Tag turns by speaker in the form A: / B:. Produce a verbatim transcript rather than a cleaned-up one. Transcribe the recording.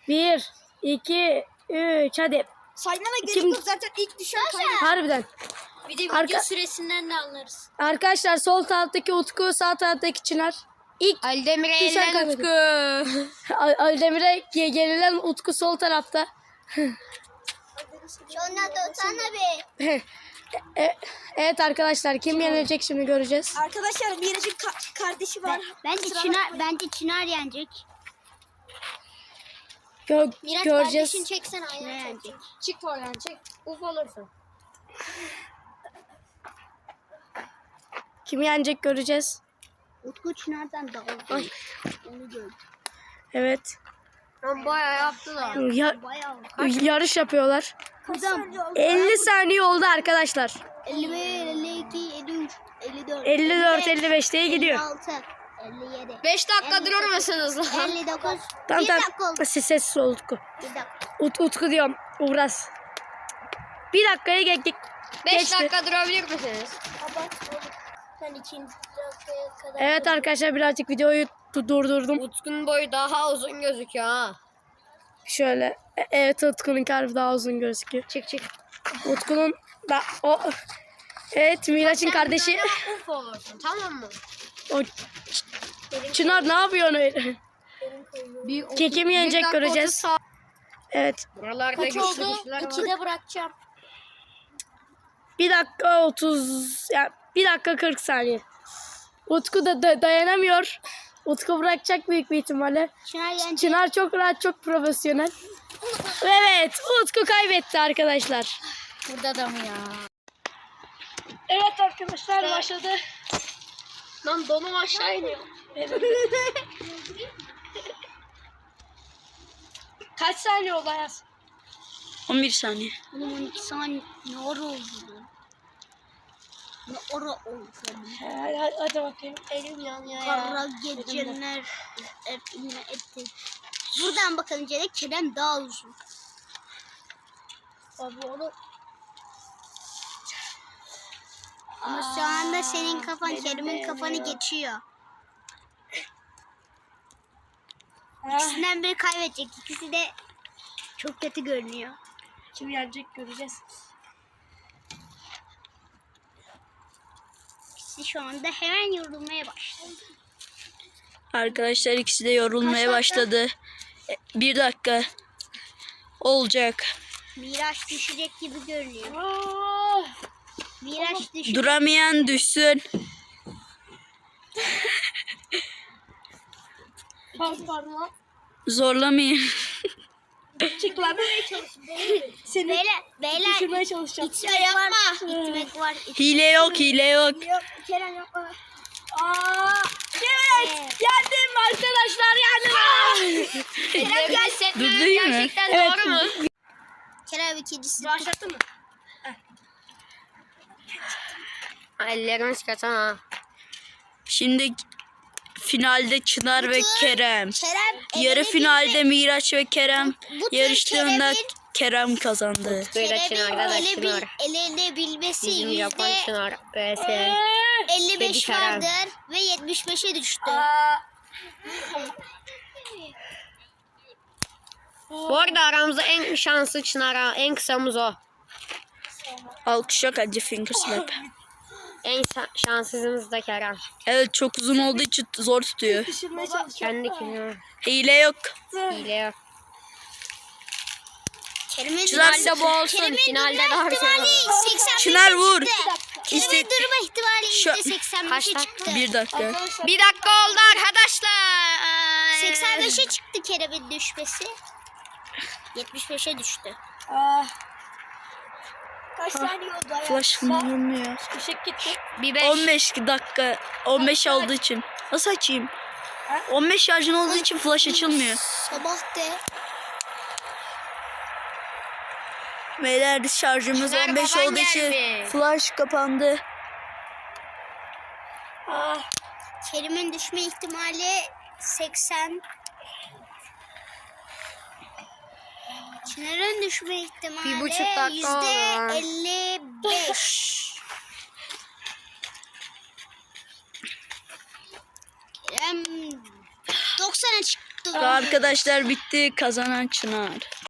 A: Bir, iki, üç, hadi.
B: Saymana gerek
A: Kim-
B: yok zaten ilk düşen kaybeder.
A: Harbiden.
C: Bir de video
A: Arka-
C: süresinden de anlarız.
A: Arkadaşlar sol taraftaki Utku, sağ taraftaki Çınar. İlk
C: Ali Demir'e
A: Düşen
C: eğlen
A: kaybeder.
C: Utku.
A: Al- Aldemir'e ge- gerilen Utku sol tarafta.
B: Sonra da sana bir.
A: E- evet arkadaşlar, kim yenecek şimdi göreceğiz.
B: Arkadaşlar Miraç'ın ka- kardeşi var.
D: Bence
B: Kusura
D: Çınar,
B: bakmayın.
D: bence Çınar yenecek.
A: Gö-
C: Miraç
A: göreceğiz.
C: kardeşini çeksene
D: Ne
C: ayağını
D: yenecek?
C: çek. Çık oradan çek. Uf olursun.
A: Kim yenecek göreceğiz.
D: Utku Çınar'dan daha uzun. Onu gördüm.
A: Evet.
C: Lan bayağı yaptılar.
A: Ya-
D: Bayağı.
A: yarış yapıyorlar.
D: Kızım.
A: elli saniye oldu arkadaşlar.
D: elli bir, elli iki, elli üç, elli dört,
A: elli dört elli beş diye gidiyor.
D: elli altı, elli yedi,
C: beş dakika durur musunuz lan?
D: elli dokuz.
A: Tamam
D: bir dakika
A: tamam.
D: oldu.
A: Siz sessiz ol Utku.
D: Bir dakika.
A: Ut, Utku diyorum. Uğraz. Bir dakikaya geçtik.
C: beş
A: Geçti.
C: dakika durabilir misiniz?
B: Ben ikinci dakikaya kadar.
A: Evet arkadaşlar, birazcık videoyu du- durdurdum.
C: Utku'nun boyu daha uzun gözüküyor ha.
A: Şöyle. E- Evet, Utku'nun kalbi daha uzun gözüküyor.
C: Çık çık.
A: Utku'nun da o. Evet, Miraç'ın kardeşi.
C: Uf olursun tamam mı?
A: O Çınar ne yapıyorsun öyle?
C: Bir
A: Keki mi yenecek
C: dakika
A: göreceğiz.
C: otuz sağ-
A: Evet.
C: Buralarda
B: Kaç
C: güçlü
B: oldu?
C: güçlüler var.
B: İkide bırakacağım.
A: Bir dakika otuz, ya bir dakika kırk saniye. Utku da, da dayanamıyor. Utku bırakacak büyük bir ihtimalle.
D: Çınar yenecek.
A: Çınar çok rahat, çok profesyonel. Evet, Utku kaybetti arkadaşlar.
C: Burada da mı ya?
A: Evet arkadaşlar, başladı.
C: Lan donum aşağı iniyor.
A: Kaç saniye oldu Ayaz? on bir saniye.
D: Oğlum on iki saniye ne ara oldu lan? Ne ara oldu lan?
A: Hadi, hadi, hadi bakayım.
C: Elim yanıyor ya.
D: Kara geceler eline etti. Buradan bakınca da Kerem daha uzun.
A: Abi onu
D: Ama şu anda senin kafan Kerem'in kafanı geçiyor. İkisinden biri kaybedecek. İkisi de çok kötü görünüyor.
A: kim yenecek göreceğiz.
D: İkisi şu anda hemen yorulmaya başladı.
E: Arkadaşlar ikisi de yorulmaya başladı. E, Bir dakika olacak.
D: Miraç düşecek gibi görünüyor.
A: Aa,
D: Miraç düşecek.
E: Duramayan düşsün.
A: pardon, pardon lan.
E: Zorlamayın.
A: Çık lan. Seni
D: Beyler, beyler
A: düşürmeye çalışacağım.
D: itmek var, itmek var. itmek-
E: Hile yok, hile yok.
D: Yok, Kerem yok.
A: Aa, evet, yendim arkadaşlar, yendim.
C: Ellerimi hissetmem
E: Dur, değil mi?
C: gerçekten
A: Evet.
C: doğru mu?
D: Kerem ikincisi.
A: Başlattın mı?
C: Ellerimiz kötü ha.
E: Şimdi finalde Çınar ve Kerem.
D: Kerem
E: Yarı
D: elini
E: finalde Miraç ve Kerem
D: bu tür
E: yarıştığında
D: Kerem'in-
E: Kerem kazandı.
C: Böyle
D: Kerem'in
C: Çınar'da da
D: ele bil,
C: Çınar.
D: elinde bilmesi
C: Bizim Japon
D: yüzde
C: Çınar. B S.
D: elli beş
C: Dedi Kerem.
D: vardır ve yetmiş beşe düştü.
A: Aa,
C: Bu arada aramızda en şanslı Çınar ha. En kısamız o.
E: Alkış yok, hadi finger slap.
C: En sa- şanssızımız da Kerem.
E: Evet, çok uzun olduğu için zor tutuyor.
A: düşürmeye çalışacağım.
C: Kendi kendine.
E: Hile yok.
C: Hile yok.
D: Kerem'in
E: Çınar
D: durma-
C: da bu olsun.
D: Kerem'in
C: Finalde
D: durma
C: daha güzel
D: ihtimali
C: olur.
D: seksen beşe
E: Çınar vur.
D: çıktı. Kerem'in
E: İşte-
D: durma ihtimali
E: Şu-
D: yüzde seksen beşe
C: Kaç
D: çıktı.
E: Bir dakika.
C: Bir dakika oldu arkadaşlar.
D: seksen beşe çıktı Kerem'in düşmesi. yetmiş beşe düştü.
A: Aa,
B: Kaç saniye oldu ya?
E: Flash olmuyor.
A: ışık gitti.
C: Bir beş.
E: on beş dakika. on beş olduğu için. Nasıl açayım? on beş şarjın olduğu için flash açılmıyor.
D: Sabah de.
E: Beyler şarjımız
C: Çınar
E: on beş
C: baban
E: olduğu için
C: geldi.
E: flash kapandı.
D: Kerim'in düşme ihtimali seksen. Çınar'ın düşme ihtimali
C: Bir buçuk dakika
D: yüzde
C: oldu.
D: elli beş. Kerem doksana çıktı.
E: Arkadaşlar bitti. Kazanan Çınar.